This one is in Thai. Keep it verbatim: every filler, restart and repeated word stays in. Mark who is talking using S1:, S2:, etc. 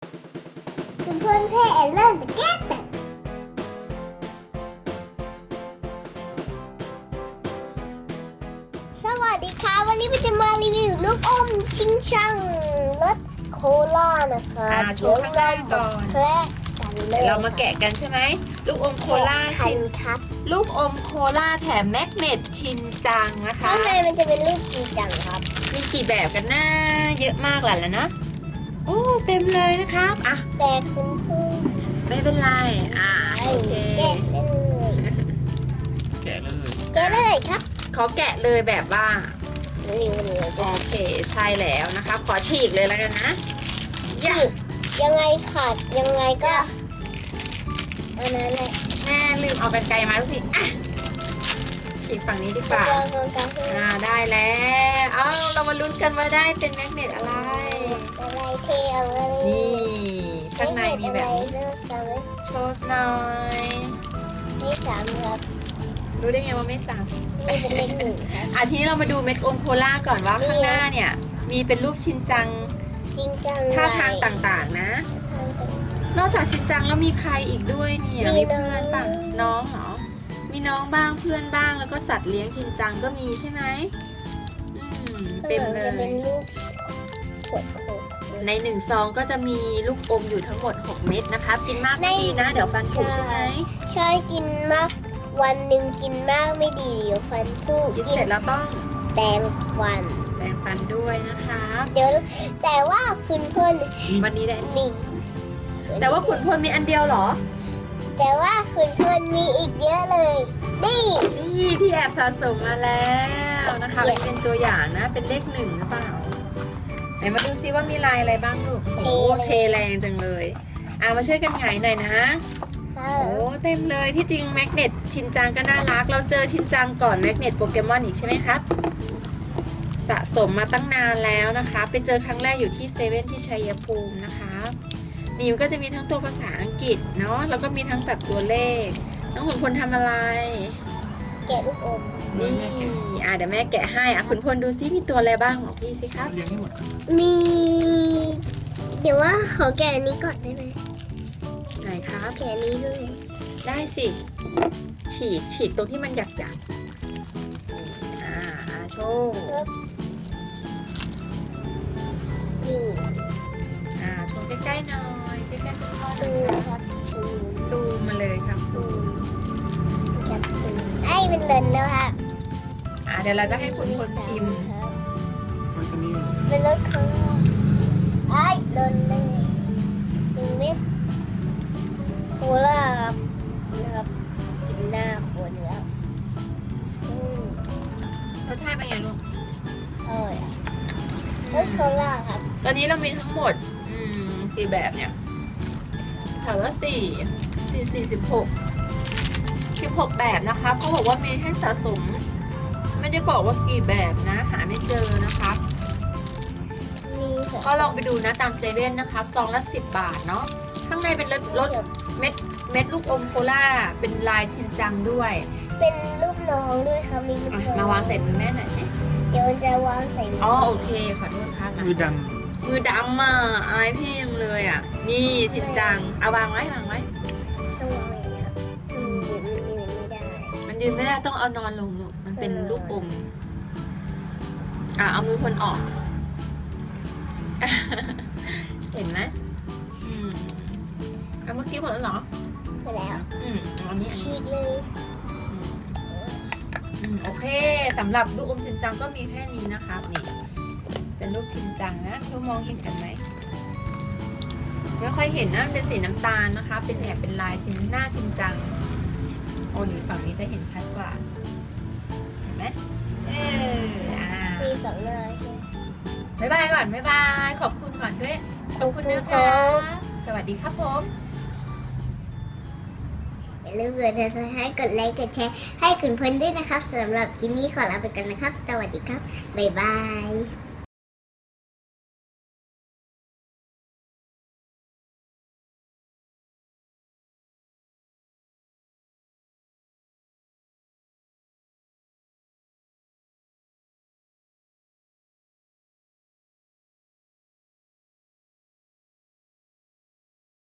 S1: คุณเพื่อนเพ่เริ่มจะแก้แต่สวัสดีค่ะวันนี้เราจะมารีวิวลูกอมชิงช่างรสโคลานะคะ
S2: อ่าโชว์ข้างหน้าก่อน
S1: แคะกันเล
S2: เดี๋
S1: ย
S2: ยวเรามาแกะกันใช่ไหมลูกอมโคลา
S1: ชิ
S2: ชิ
S1: น
S2: น
S1: ครับ
S2: ลูกอมโคลาแถมแมกเนตชินจังนะคะ
S1: ข้างในมันจะเป็นรูปจริงจังครับ
S2: มีกี่แบบกันนะเยอะมากแหละแล้วนะโอ้เต็มเลยนะครับอ่ะ
S1: แต่คุณเพื่อน
S2: ไม่เป็นไรอ่าโอเค
S1: แกะเลย
S3: แกะเลย
S1: แกะเลยครับ
S2: ขอแกะเลยแบบว่า
S1: รีวิวเลย
S2: โอเคใช่แล้วนะคะขอฉีกเลยแล้วกันนะ
S1: ฉีกยังไงขาดยังไงก็อันนั้นแหละ
S2: แม่ลืมเอาไปไกลมาทุกทีอ่ะฉีกฝั่งนี้ดีกว่า
S1: เราลองกันให้
S2: อ่าได้แล้วเอาเรามาลุ้นกันว่าได้เป็นแมกเนตอะไร
S1: อะไรเทเอาอะไร
S2: นี่ข้างในมีแบบนี้
S1: เลือกจำไว้
S2: โชว์หน่อย
S1: ไม่สามครับ
S2: รู้ได้ไงว่าไม่ซ้
S1: นี่เป็นเลขหนึ่งครับ
S2: ำอ่ะทีนี้เรามาดูเม็ดอมโคล่าก่อนว่าข้างหน้าเนี่ย มีเป็นรูปชินจัง
S1: จริงจัง
S2: ท่าทางต่างๆนะ
S1: ทางต่าง
S2: นอกจากชินจังแล้วมีใครอีกด้วยเนี่ย
S1: มี
S2: มี
S1: น้อง
S2: เพื่อนป่ะน้องเหรอมีน้องบ้างเพื่อนบ้างแล้วก็สัตว์เลี้ยงชินจังก็มีใช่ไหมอืมเต็มเล
S1: จะเป็
S2: ย
S1: นรูปขวดโคก
S2: ในหนึ่งซองก็จะมีลูกอมอยู่ทั้งหมดหกเม็ดนะคะกินมากไม่ดีนะ เดี๋ยวฟันผุใช่ไหม
S1: ใช่กินมากวันหนึ่งกินมากไม่ดีเดี๋ยวฟันผุ
S2: กิน
S1: กิ
S2: เสร็
S1: น
S2: จแล้วต้อง
S1: แปรงฟัน
S2: แปรงฟันด้วยนะคะ
S1: เดี๋ยวแต่ว่าคุณเพื่อน
S2: วันนี้ได้
S1: มี
S2: แต่ว่าขุนพลมีอันเดียวเหรอ
S1: แต่ว่าคุณเพื่อนมีอีกเยอะเลยนี่
S2: นี่ที่แอบสะสมมาแล้วนะคะอันนี้เป็นตัวอย่างนะ เป็นเลขหนึ่งหรือเปล่า ไหนมาดูซิว่ามีลายอะไรบ้างลูก โอ้เทแรงจังเลยอ่ะมาช่วยกันหงายหน่อยนะ
S1: ค่ะ
S2: โอ้เต็มเลยที่จริงแมกเนตชินจังก็น่ารัก เราเจอชินจังก่อนแมกเนตโปเกมอนอีกใช่ไหมครับ สะสมมาตั้งนานแล้วนะคะ ไปเจอครั้งแรกอยู่ที่เซเว่นที่ชัยภูมินะคะนี่มันก็จะมีทั้งตัวภาษาอังกฤษเนาะแล้วก็มีทั้งแบบตัวเลข น้องขุนพลทำอะไร
S1: แกะลูกอม
S2: นี่อ่ะเดี๋ยวแม่แกะให้อ่ะขุนพลดูซิมีตัวอะไรบ้างบอกพี่สิครับ
S3: เลี้ยงให้หมดครับ
S1: มี เดี๋ยวว่าขอแกะอันนี้ก่อนได้ไหม
S2: ไหนครับ
S1: แกะอันนี้ด้วย
S2: ได้สิ ฉีกฉีกตรงที่มันหยักหยักๆอ่าอ่าโชว์
S1: นี่
S2: อ่าโชว์ใกล้ๆหน่อยใกล้ๆคุณพ่อหน่
S1: ซู
S2: อย
S1: มครับซูม
S2: ซูมมาเลยครับซูม
S1: ครับซูมไอ้เป็นเลนแล้วค่ะ
S2: อ่าเดี๋ยวเราจะให้คุณพลชิม
S1: ครับ
S3: ไว้ตัวนี้
S1: เป็นรถของไอ้เลนเลยหนึ่งเม็ดโคลาครับนะครับกินหน้าคนแล้วอืม
S2: รสชาติเป็นไงลูก
S1: อร่อยอ่ะรสโคลาครับ
S2: ตอนนี้เรามีทั้งหมดอืมกี่แบบเนี่ยถามว่าสี่สี่สี่สิบหกสิบหกแบบนะคะเขาบอกว่ามีให้สะสม ไม่ได้บอกว่ากี่แบบนะ หาไม่เจอนะครับ
S1: มีค่ะ
S2: ก็ลองไปดูนะตามเซเว่นนะครับซองละสิบบาทเนาะข้างในเป็นรสรสเม็ดเม็ดลูกอมโคล่าเป็นลายชินจังด้วย
S1: เป็นรูปน้องด้วยครับมีรูป
S2: อ่ะ
S1: น้อง
S2: มาวางใส่มือแม่หน่อยสิ
S1: เดี๋ยวมันจะวางใส่มื
S2: อ๋อโอเคขอโทษครับนะ
S3: มือด
S2: มือดำอ่ะอายพี่ยังเลยอ่ะ นี่ชินจังเอาวางไว้วางไว้
S1: ต้องวางอย่างนี้ครับอืมยืนยืนไม่ได้
S2: มันยืนไม่ได้ต้องเอานอนลงลูกมันเป็นลูกอมอ่ะเอามือคนออก เห็นไหมอืมเอาเมื่อกี้หมดแล้วเหรอ
S1: ไปแล้ว
S2: อืมเอาอันนี้อันนี้
S1: ฉีกเลย
S2: อืมอืมโอเคสำหรับลูกอมชินจังก็มีแค่นี้นะครับนี่ เป็นรูปชินจังนะทุกมองเห็นกันไหมไม่ค่อยเห็นนะเป็นสีน้ำตาลนะคะ เป็นแอบเป็นลายชิ้นหน้าชินจังโอ้นี่ฝั่งนี้จะเห็นชัดกว่าเห็นไหมเอออ่า
S1: มีสองหน้าใช่ไหม
S2: บ๊ายบายก่อนบ๊ายบายขอบคุณก่อนด้วยขอบคุณนะคะ สวัสดีครับผม
S1: อย่าลืมกดติดตามให้กดไลค์กดแชร์ให้คุณเพื่อนด้วยนะครับสำหรับคลิปนี้ขอลาไปก่อนนะครับ สวัสดีครับ บ๊ายบาย